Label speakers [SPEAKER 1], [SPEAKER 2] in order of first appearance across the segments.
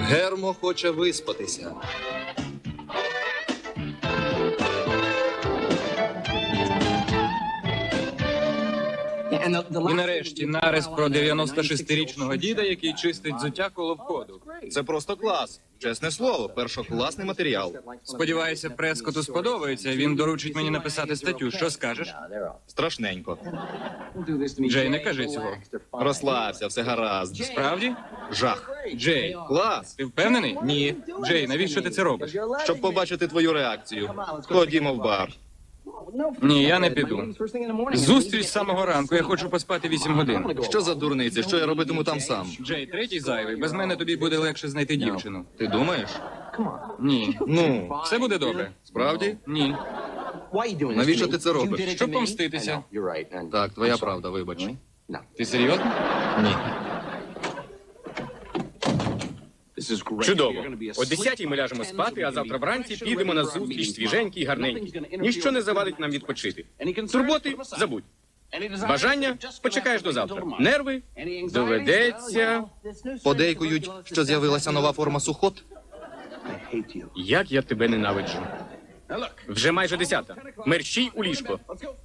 [SPEAKER 1] Гермо хоче виспатися.
[SPEAKER 2] І нарешті нарис про 96-річного діда, який чистить взуття коло входу.
[SPEAKER 1] Це просто клас. Чесне слово, першокласний матеріал.
[SPEAKER 2] Сподіваюся, Прескоту сподобається, він доручить мені написати статтю. Що скажеш?
[SPEAKER 1] Страшненько.
[SPEAKER 2] Джей, не кажи цього.
[SPEAKER 1] Розслабся, все гаразд.
[SPEAKER 2] Справді?
[SPEAKER 1] Жах.
[SPEAKER 2] Джей,
[SPEAKER 1] Клас.
[SPEAKER 2] ти впевнений?
[SPEAKER 1] Ні.
[SPEAKER 2] Джей, навіщо ти це робиш?
[SPEAKER 1] Щоб побачити твою реакцію. Ходімо в бар.
[SPEAKER 2] Ні, я не піду. Зустріч з самого ранку, я хочу поспати 8 годин.
[SPEAKER 1] Що за дурниці? Що я робитиму там сам?
[SPEAKER 2] Джей, третій зайвий, без мене тобі буде легше знайти дівчину.
[SPEAKER 1] Ти думаєш?
[SPEAKER 2] Ні.
[SPEAKER 1] Ну,
[SPEAKER 2] Все буде добре.
[SPEAKER 1] справді?
[SPEAKER 2] Ні.
[SPEAKER 1] Навіщо ти це робиш?
[SPEAKER 2] Щоб помститися.
[SPEAKER 1] Так, твоя правда, вибач.
[SPEAKER 2] Ти серйозно?
[SPEAKER 1] Ні.
[SPEAKER 3] Чудово. О 10-й ми ляжемо спати, а завтра вранці підемо на зустріч свіженькі й гарненькі. Ніщо не завадить нам відпочити. Турботи – забудь. Бажання – почекаєш до завтра. Нерви – доведеться...
[SPEAKER 1] Подейкують, що з'явилася нова форма сухот?
[SPEAKER 3] Як я тебе ненавиджу. Вже майже 10-та. Мерщій у ліжко.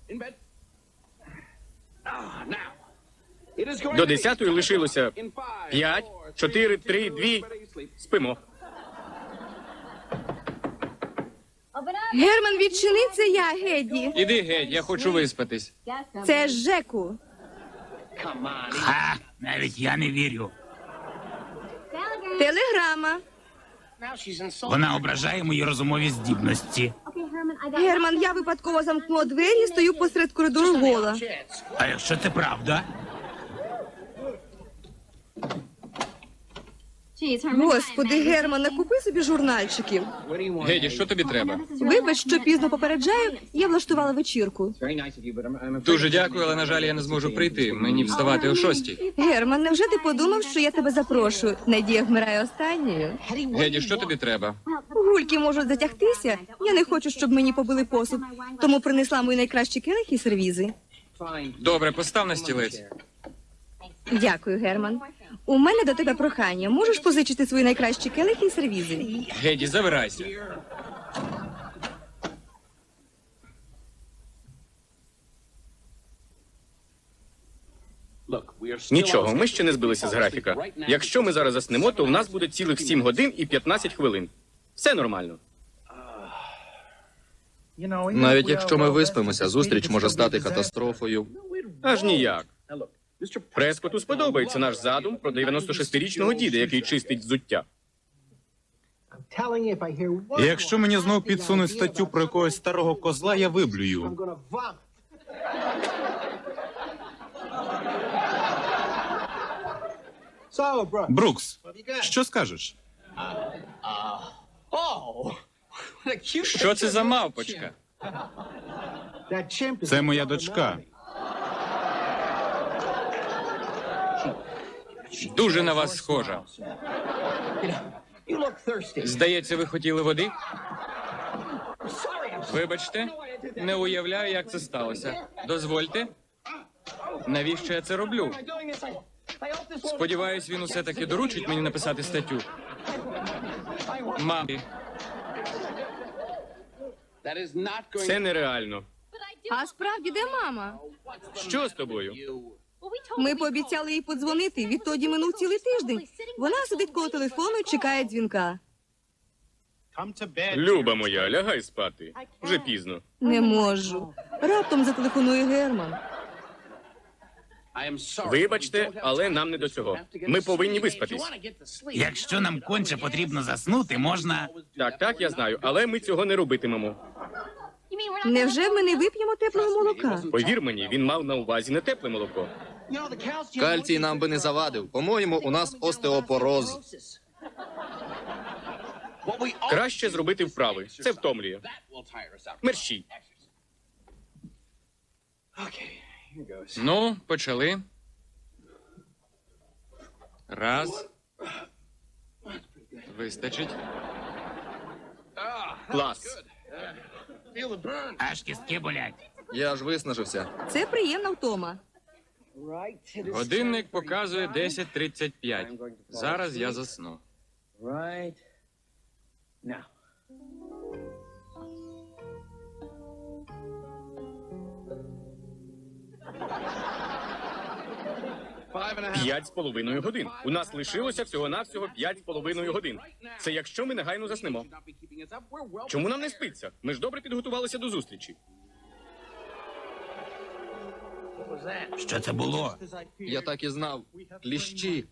[SPEAKER 3] До 10-ї лишилося 5, 4, 3, 2. Спимо.
[SPEAKER 4] Герман, відчини, це я, Геді.
[SPEAKER 2] Іди геть, я хочу виспатись.
[SPEAKER 4] Це Жеку.
[SPEAKER 5] Ха, навіть я не вірю.
[SPEAKER 4] Телеграма.
[SPEAKER 5] Вона ображає мої розумові здібності.
[SPEAKER 4] Герман, я випадково замкнула двері і стою посеред коридору гола.
[SPEAKER 5] А якщо це правда?
[SPEAKER 4] Господи, Герман, накупи собі журнальчиків.
[SPEAKER 2] Геді, що тобі треба?
[SPEAKER 4] Вибач, що пізно попереджаю, я влаштувала вечірку.
[SPEAKER 2] Дуже дякую, але, на жаль, я не зможу прийти. Мені вставати о 6-й.
[SPEAKER 4] Герман, невже ти подумав, що я тебе запрошую? Надія вмирає останньою.
[SPEAKER 2] Геді, що тобі треба?
[SPEAKER 4] Гульки можуть затягтися. Я не хочу, щоб мені побили посуд. Тому принесла мої найкращі келихи і сервізи.
[SPEAKER 2] Добре, постав на стілець.
[SPEAKER 4] Дякую, Герман. У мене до тебе прохання. Можеш позичити свої найкращі келихи і сервізи?
[SPEAKER 2] Геді, забирайся.
[SPEAKER 3] Нічого, ми ще не збилися з графіка. Якщо ми зараз заснемо, то в нас буде цілих 7 годин і 15 хвилин. Все нормально.
[SPEAKER 1] Навіть якщо ми виспимося, зустріч може стати катастрофою.
[SPEAKER 3] Аж ніяк. Прескоту сподобається наш задум про 96-річного діда, який чистить взуття.
[SPEAKER 6] Якщо мені знов підсунуть статтю про якогось старого козла, я виблюю. Брукс, що скажеш?
[SPEAKER 2] Що це за мавпочка?
[SPEAKER 6] Це моя дочка.
[SPEAKER 2] Дуже на вас схожа. Здається, ви хотіли води? Вибачте, не уявляю, як це сталося. Дозвольте. Навіщо я це роблю? Сподіваюсь, він усе-таки доручить мені написати статтю. Мамі.
[SPEAKER 3] Це нереально.
[SPEAKER 4] А справді, де мама?
[SPEAKER 3] Що з тобою?
[SPEAKER 4] Ми пообіцяли їй подзвонити. Відтоді минув цілий тиждень. Вона сидить коло телефону і чекає дзвінка.
[SPEAKER 3] Люба моя, лягай спати. Вже пізно.
[SPEAKER 4] Не можу. Раптом зателефонує Герман.
[SPEAKER 3] Вибачте, але нам не до цього. Ми повинні виспатись.
[SPEAKER 5] Якщо нам конче потрібно заснути, можна...
[SPEAKER 3] Так, я знаю, але ми цього не робитимемо.
[SPEAKER 4] Невже ми не вип'ємо теплого молока?
[SPEAKER 3] Повір мені, він мав на увазі не тепле молоко.
[SPEAKER 1] Кальцій нам би не завадив. По-моєму, у нас остеопороз.
[SPEAKER 3] Краще зробити вправи. Це втомлює. Мерщій.
[SPEAKER 2] Ну, почали. Раз. Вистачить.
[SPEAKER 3] Клас.
[SPEAKER 5] Аж кістки болять.
[SPEAKER 1] Я аж виснажився.
[SPEAKER 4] Це приємна втома.
[SPEAKER 2] Годинник показує 10:35. Зараз я засну.
[SPEAKER 3] П'ять з половиною годин. У нас лишилося всього-навсього 5,5 годин. Це якщо ми негайно заснемо. Чому нам не спиться? Ми ж добре підготувалися до зустрічі.
[SPEAKER 5] Що це було?
[SPEAKER 1] Я так і знав. Кліщі.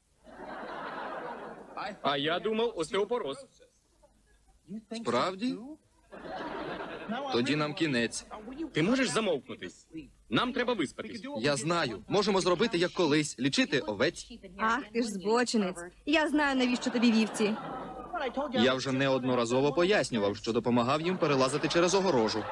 [SPEAKER 3] А я думав, остеопороз.
[SPEAKER 1] Справді? Тоді нам кінець.
[SPEAKER 3] Ти можеш замовкнути? Нам треба виспатись.
[SPEAKER 1] Я знаю. Можемо зробити як колись. Лічити овець.
[SPEAKER 4] Ах, ти ж збочинець. Я знаю, навіщо тобі вівці.
[SPEAKER 1] Я вже неодноразово пояснював, що допомагав їм перелазити через огорожу.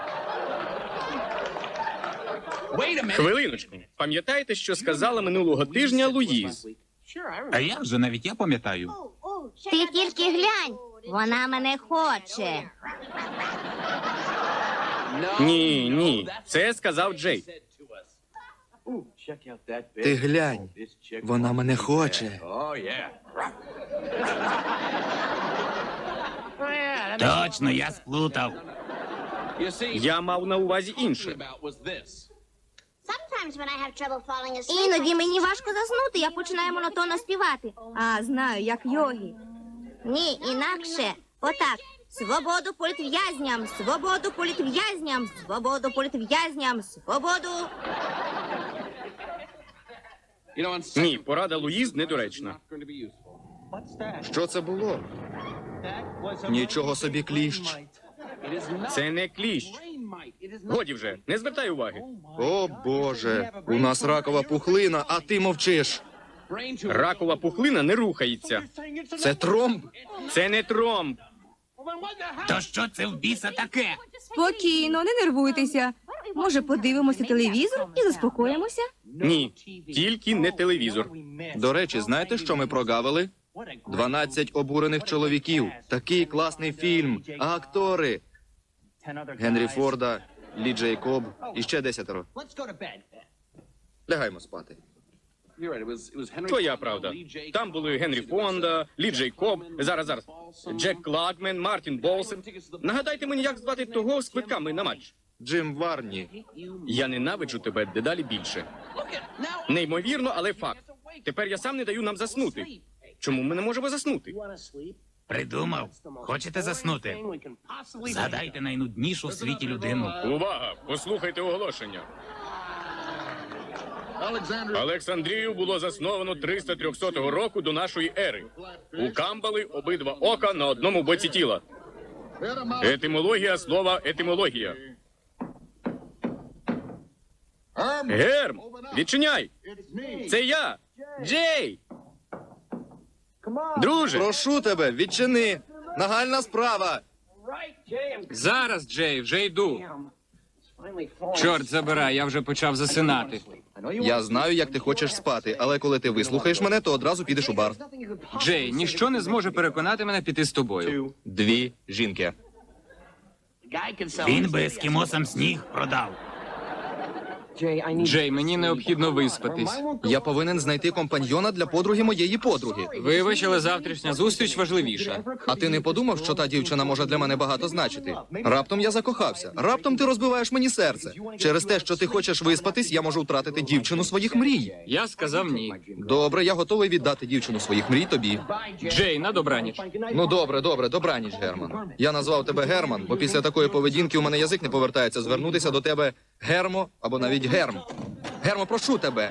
[SPEAKER 3] Хвилиночку. Пам'ятаєте, що сказала минулого тижня Луїз?
[SPEAKER 5] А як же, навіть я пам'ятаю.
[SPEAKER 7] Ти тільки глянь, вона мене хоче.
[SPEAKER 3] Ні, ні. Це сказав Джей.
[SPEAKER 1] Ти глянь. Вона мене хоче.
[SPEAKER 5] Точно, я сплутав.
[SPEAKER 3] Я мав на увазі інше.
[SPEAKER 7] Іноді мені важко заснути, я починаю монотонно співати.
[SPEAKER 4] А, знаю, як йогі.
[SPEAKER 7] Ні, інакше. Отак. Свободу політв'язням, свободу політв'язням, свободу політв'язням, свободу.
[SPEAKER 3] Ні, порада Луїз недоречна.
[SPEAKER 1] Що це було? Нічого собі кліщ.
[SPEAKER 3] Це не кліщ. Годі вже, не звертай уваги.
[SPEAKER 1] О, Боже. У нас ракова пухлина, а ти мовчиш.
[SPEAKER 3] Ракова пухлина не рухається.
[SPEAKER 1] Це тромб.
[SPEAKER 3] Це не тромб.
[SPEAKER 5] То що це в біса таке?
[SPEAKER 4] Спокійно, не нервуйтеся. Може, подивимося телевізор і заспокоїмося?
[SPEAKER 3] Ні, тільки не телевізор.
[SPEAKER 1] До речі, знаєте, що ми прогавили? 12 обурених чоловіків. Такий класний фільм. А актори? Генрі Форда, Лі Джейкоб і ще 10. Лягаймо спати.
[SPEAKER 3] Твоя правда. Там були Генрі Фонда, Лі Джейкоб, зараз, Джек Клагмен, Мартін Болсен. Нагадайте мені, як звати того з квитками на матч.
[SPEAKER 1] Джим Варні.
[SPEAKER 3] Я ненавиджу тебе дедалі більше. Неймовірно, але факт. Тепер я сам не даю нам заснути. Чому ми не можемо заснути?
[SPEAKER 5] Придумав. Хочете заснути? Згадайте найнуднішу в світі людину.
[SPEAKER 3] Увага! Послухайте оголошення. Олександрію було засновано 300-300 року до нашої ери. У Камбали обидва ока на одному боці тіла. Етимологія слова етимологія. Герм, відчиняй! Це я, Джей! Друже,
[SPEAKER 1] Прошу тебе, відчини. Нагальна справа.
[SPEAKER 2] Зараз, Джей, вже йду. Чорт забирай, я вже почав засинати.
[SPEAKER 1] Я знаю, як ти хочеш спати, але коли ти вислухаєш мене, то одразу підеш у бар.
[SPEAKER 2] Джей, ніщо не зможе переконати мене піти з тобою.
[SPEAKER 1] 2 жінки.
[SPEAKER 5] Він би ескімосам сніг продав.
[SPEAKER 2] Джей, мені необхідно виспатись.
[SPEAKER 1] Я повинен знайти компаньйона для подруги моєї подруги.
[SPEAKER 2] Вибач, але завтрашня зустріч важливіша.
[SPEAKER 1] А ти не подумав, що та дівчина може для мене багато значити? Раптом я закохався. Раптом ти розбиваєш мені серце. Через те, що ти хочеш виспатись, я можу втратити дівчину своїх мрій.
[SPEAKER 2] Я сказав ні.
[SPEAKER 1] Добре, я готовий віддати дівчину своїх мрій тобі.
[SPEAKER 2] Джей, на добраніч.
[SPEAKER 1] Ну добре, добраніч, Герман. Я назвав тебе Герман, бо після такої поведінки у мене язик не повертається звернутися до тебе Гермо або навіть Герм. Гермо, прошу тебе.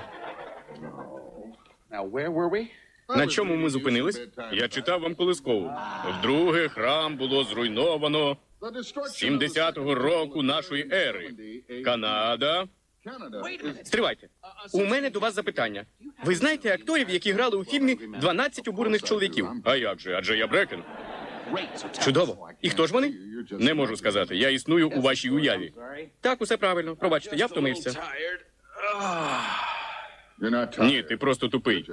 [SPEAKER 3] на чому ми зупинились? Я читав вам колискову. Вдруге, храм було зруйновано 70-го року нашої ери. Канада. Стривайте. У мене до вас запитання. Ви знаєте акторів, які грали у фільмі «12 обурених чоловіків»? А як же? Адже я Брекен. Чудово. І хто ж вони? Не можу сказати. Я існую у вашій уяві. Так, усе правильно. Пробачте, я втомився. Ні, ти просто тупий.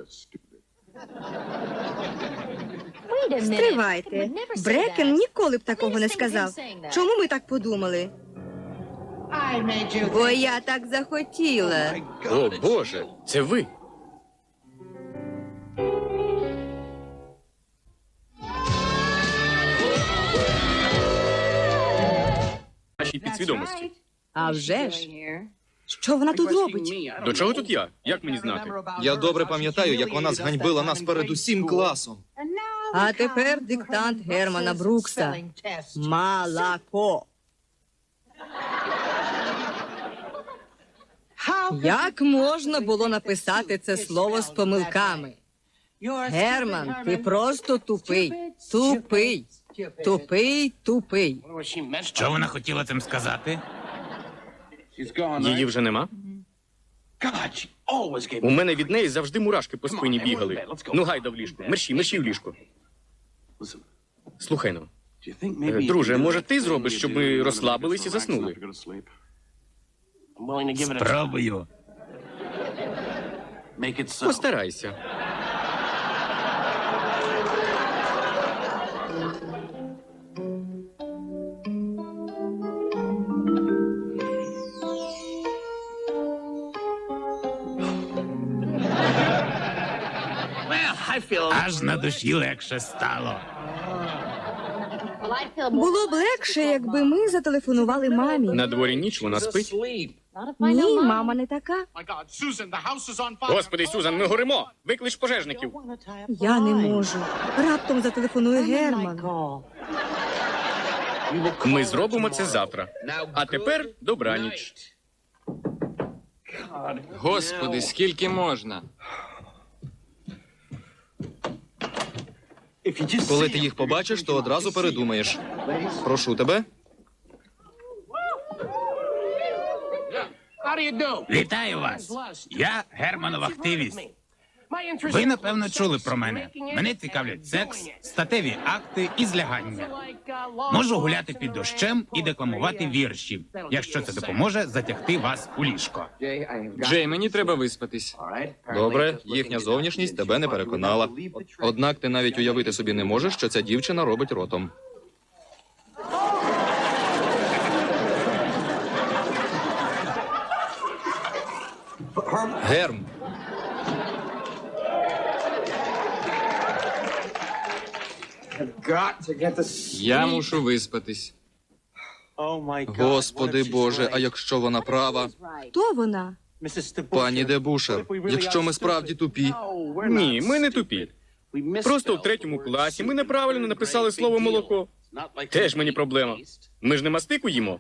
[SPEAKER 4] Стривайте. Брекен ніколи б такого не сказав. Чому ми так подумали? Бо я так захотіла.
[SPEAKER 3] О, Боже, це ви. вашій підсвідомості.
[SPEAKER 4] А вже ж. Що вона тут робить?
[SPEAKER 3] До чого тут я? Як мені знати?
[SPEAKER 1] Я добре пам'ятаю, як вона зганьбила нас перед усім класом.
[SPEAKER 4] А тепер диктант Германа Брукса. Молоко. Як можна було написати це слово з помилками? Герман, ти просто тупий. Тупий. Тупий, тупий.
[SPEAKER 5] Що вона хотіла цим сказати?
[SPEAKER 3] Її вже нема? У мене від неї завжди мурашки по спині бігали. Ну, гайда в ліжко. Мерщій в ліжко. Слухай ну. Друже, може ти зробиш, щоб ми розслабились і заснули?
[SPEAKER 5] Спробую.
[SPEAKER 3] Постарайся.
[SPEAKER 5] Аж на душі легше стало.
[SPEAKER 4] Було б легше, якби ми зателефонували мамі.
[SPEAKER 3] На дворі ніч, вона спить.
[SPEAKER 4] Ні, мама не така.
[SPEAKER 3] Господи, Сюзан, ми горимо! Виклич пожежників.
[SPEAKER 4] Я не можу. Раптом зателефонує Герман.
[SPEAKER 3] Ми зробимо це завтра. А тепер добраніч.
[SPEAKER 2] Господи, скільки можна?
[SPEAKER 1] Коли ти їх побачиш, то одразу передумаєш. Прошу тебе.
[SPEAKER 5] Вітаю вас! Я Германов активіст. Ви, напевно, чули про мене. Мене цікавлять секс, статеві акти і злягання. Можу гуляти під дощем і декламувати вірші, якщо це допоможе затягти вас у ліжко.
[SPEAKER 2] Джей, мені треба виспатись.
[SPEAKER 1] Добре, їхня зовнішність тебе не переконала. Однак ти навіть уявити собі не можеш, що ця дівчина робить ротом. Герм,
[SPEAKER 2] Я мушу виспатись.
[SPEAKER 1] Господи Боже, а якщо вона права?
[SPEAKER 4] Хто вона?
[SPEAKER 1] Пані Дебушер, якщо ми справді тупі,
[SPEAKER 3] Ні, ми не тупі. Просто в 3 класі ми неправильно написали слово молоко. Теж мені проблема. Ми ж не мастику їмо.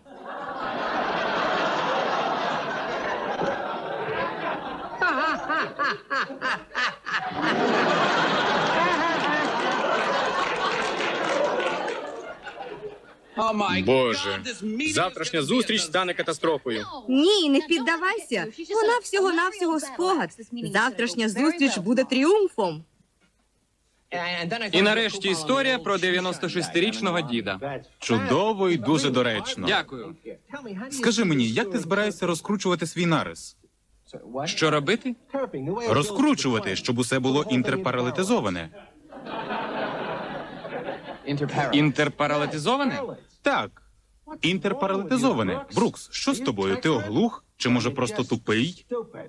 [SPEAKER 3] Боже, завтрашня зустріч стане катастрофою.
[SPEAKER 4] Ні, не піддавайся. Вона всього-навсього спогад. Завтрашня зустріч буде тріумфом.
[SPEAKER 2] І нарешті історія про 96-річного діда.
[SPEAKER 6] Чудово і дуже доречно.
[SPEAKER 2] Дякую.
[SPEAKER 6] Скажи мені, як ти збираєшся розкручувати свій нарис?
[SPEAKER 2] Що робити?
[SPEAKER 6] Розкручувати, щоб усе було інтерпаралетизоване.
[SPEAKER 2] Інтерпаралетизоване?
[SPEAKER 6] Так, інтерпаралетизоване. Брукс, що з тобою? Ти оглух? Чи може просто тупий?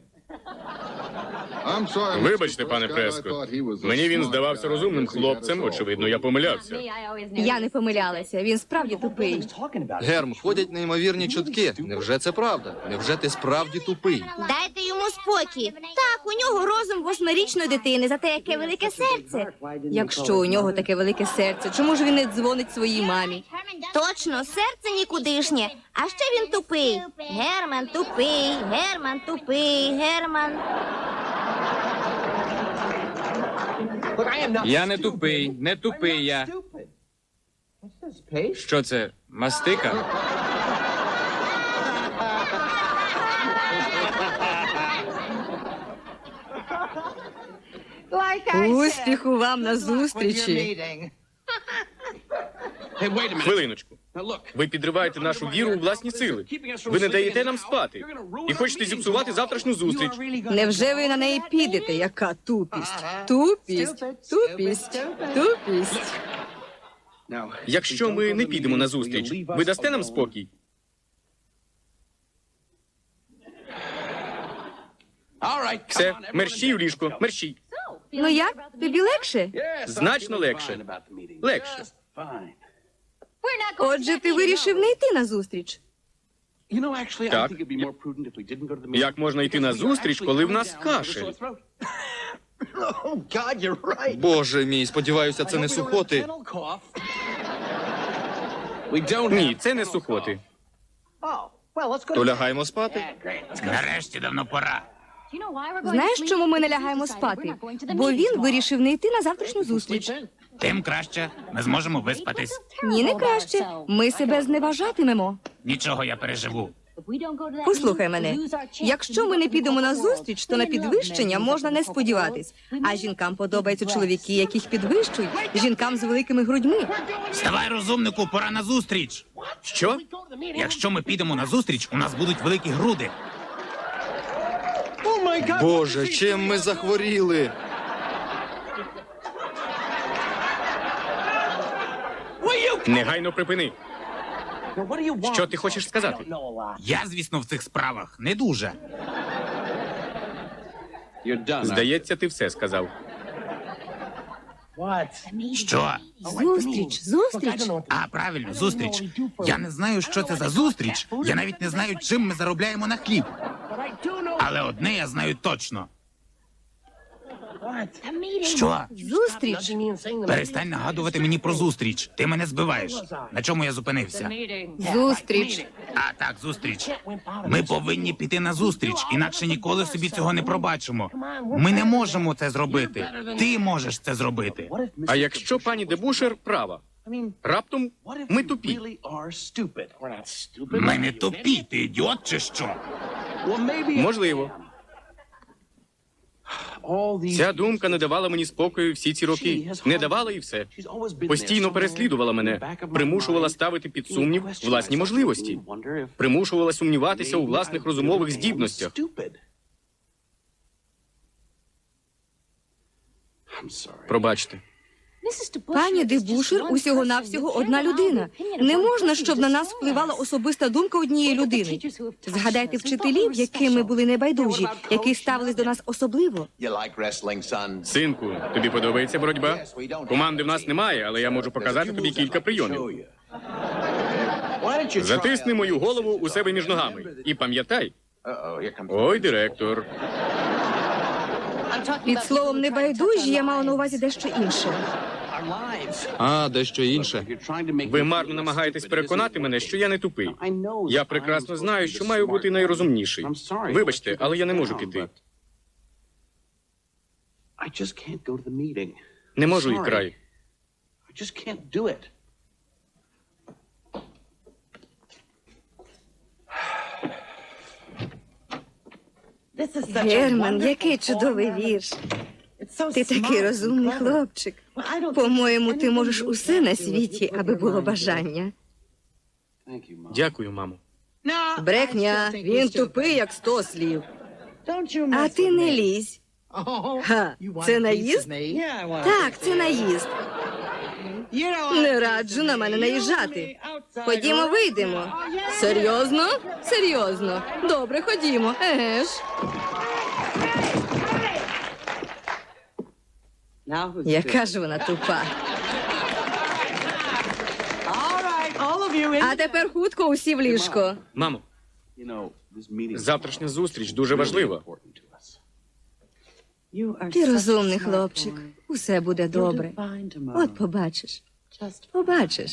[SPEAKER 3] Вибачте, пане Прескот. Мені він здавався розумним хлопцем, очевидно, я помилявся.
[SPEAKER 4] Я не помилялася, він справді тупий.
[SPEAKER 1] Герм, ходять неймовірні чутки. Невже це правда? Невже ти справді тупий?
[SPEAKER 7] Дайте йому спокій. Так, у нього розум 8-річної дитини, зате яке велике серце.
[SPEAKER 4] Якщо у нього таке велике серце, чому ж він не дзвонить своїй мамі?
[SPEAKER 7] Точно, серце нікудишнє. А ще він тупий. Герман тупий, Герман тупий, Герман.
[SPEAKER 2] Я не тупий, не тупий я. Що це, мастика?
[SPEAKER 4] Успіху вам на зустрічі.
[SPEAKER 3] Хвилиночку. Ви підриваєте нашу віру у власні сили. Ви не даєте нам спати. І хочете зіпсувати завтрашню зустріч.
[SPEAKER 4] Невже ви на неї підете? Яка тупість? Тупість, тупість, тупість.
[SPEAKER 3] Якщо ми не підемо на зустріч, ви дасте нам спокій? Все, мерщій у ліжко, мерщій.
[SPEAKER 4] Ну як? Тобі легше?
[SPEAKER 3] Значно легше. Легше.
[SPEAKER 4] Отже, ти вирішив не йти на зустріч.
[SPEAKER 3] Так. Як можна йти на зустріч, коли в нас кашель?
[SPEAKER 1] Боже мій, сподіваюся, це не сухоти.
[SPEAKER 3] Ні, це не сухоти.
[SPEAKER 1] То лягаємо спати.
[SPEAKER 5] Нарешті давно пора.
[SPEAKER 4] Знаєш, чому ми не лягаємо спати? Бо він вирішив не йти на завтрашню зустріч.
[SPEAKER 5] Тим краще. Ми зможемо виспатись.
[SPEAKER 4] Ні, не краще. Ми себе зневажатимемо.
[SPEAKER 5] Нічого, я переживу.
[SPEAKER 4] Послухай мене. Якщо ми не підемо на зустріч, то на підвищення можна не сподіватись. А жінкам подобаються чоловіки, яких підвищують, жінкам з великими грудьми.
[SPEAKER 5] Вставай, розумнику, пора на зустріч.
[SPEAKER 3] Що?
[SPEAKER 5] Якщо ми підемо на зустріч, у нас будуть великі груди.
[SPEAKER 1] Боже, чим ми захворіли?
[SPEAKER 3] Негайно припини. Що ти хочеш сказати?
[SPEAKER 5] Я, звісно, в цих справах не дуже.
[SPEAKER 3] Здається, ти все сказав.
[SPEAKER 5] Що?
[SPEAKER 4] Зустріч.
[SPEAKER 5] А, правильно, зустріч. Я не знаю, що це за зустріч. Я навіть не знаю, чим ми заробляємо на хліб. Але одне я знаю точно. Що?
[SPEAKER 4] Зустріч.
[SPEAKER 5] Перестань нагадувати мені про зустріч. Ти мене збиваєш. На чому я зупинився?
[SPEAKER 4] Зустріч.
[SPEAKER 5] А так, зустріч. Ми повинні піти на зустріч, інакше ніколи собі цього не пробачимо. Ми не можемо це зробити. Ти можеш це зробити.
[SPEAKER 3] А якщо пані Дебушер права? Раптом ми тупі.
[SPEAKER 5] Ми не тупі, ти ідіот чи що?
[SPEAKER 3] Можливо. Ця думка не давала мені спокою всі ці роки. Не давала і все. Постійно переслідувала мене, примушувала ставити під сумнів власні можливості, примушувала сумніватися у власних розумових здібностях. Пробачте.
[SPEAKER 4] Пані Дебушер усього-навсього одна людина. Не можна, щоб на нас впливала особиста думка однієї людини. Згадайте вчителів, якими були небайдужі, які ставились до нас особливо.
[SPEAKER 3] Синку, тобі подобається боротьба? Команди в нас немає, але я можу показати тобі кілька прийомів. Затисни мою голову у себе між ногами. І пам'ятай. Ой, директор.
[SPEAKER 4] Під словом небайдужі я мала на увазі дещо інше.
[SPEAKER 1] А, дещо інше.
[SPEAKER 3] Ви марно намагаєтесь переконати мене, що я не тупий. Я прекрасно знаю, що маю бути найрозумніший. Вибачте, але я не можу піти. Не можу і край.
[SPEAKER 4] Герман, який чудовий вірш. Ти такий розумний хлопчик. По-моєму, ти можеш усе на світі, аби було бажання.
[SPEAKER 3] Дякую, мамо.
[SPEAKER 4] Брехня, він тупий, як 100 слів. А ти не лізь. Ха, це наїзд? Так, це наїзд. Не раджу на мене наїжджати. Ходімо, вийдемо. Серйозно? Серйозно. Добре, ходімо. Еге ж. Яка ж вона тупа. А тепер хутко усі в ліжко.
[SPEAKER 3] Мамо, завтрашня зустріч дуже важлива.
[SPEAKER 4] Ти розумний хлопчик. Усе буде добре. От побачиш. Побачиш.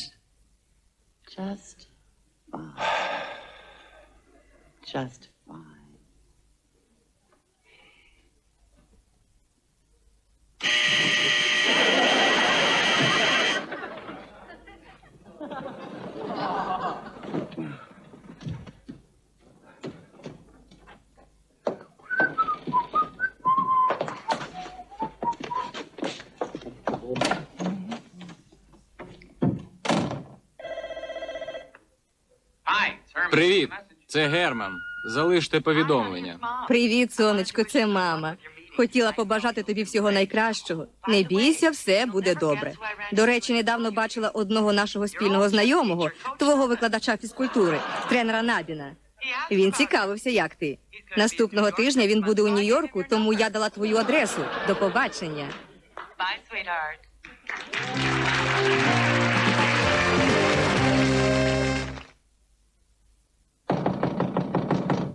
[SPEAKER 2] Привіт, це Герман. Залиште повідомлення.
[SPEAKER 4] Привіт, сонечко, це мама. Хотіла побажати тобі всього найкращого. Не бійся, все буде добре. До речі, недавно бачила одного нашого спільного знайомого, твого викладача фізкультури, тренера Набіна. Він цікавився, як ти. Наступного тижня він буде у Нью-Йорку, тому я дала твою адресу. До побачення.
[SPEAKER 8] Bye, sweetheart.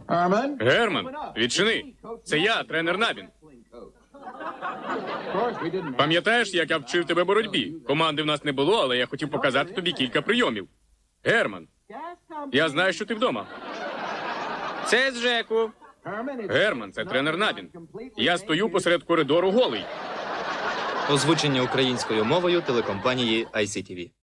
[SPEAKER 3] Герман, відчини. Це я, тренер Набін. Пам'ятаєш, як я вчив тебе боротьбі? Команди в нас не було, але я хотів показати тобі кілька прийомів. Герман, я знаю, що ти вдома. Це з Жеку. Герман, це тренер Набін. Я стою посеред коридору голий.
[SPEAKER 1] Озвучення українською мовою телекомпанії ICTV.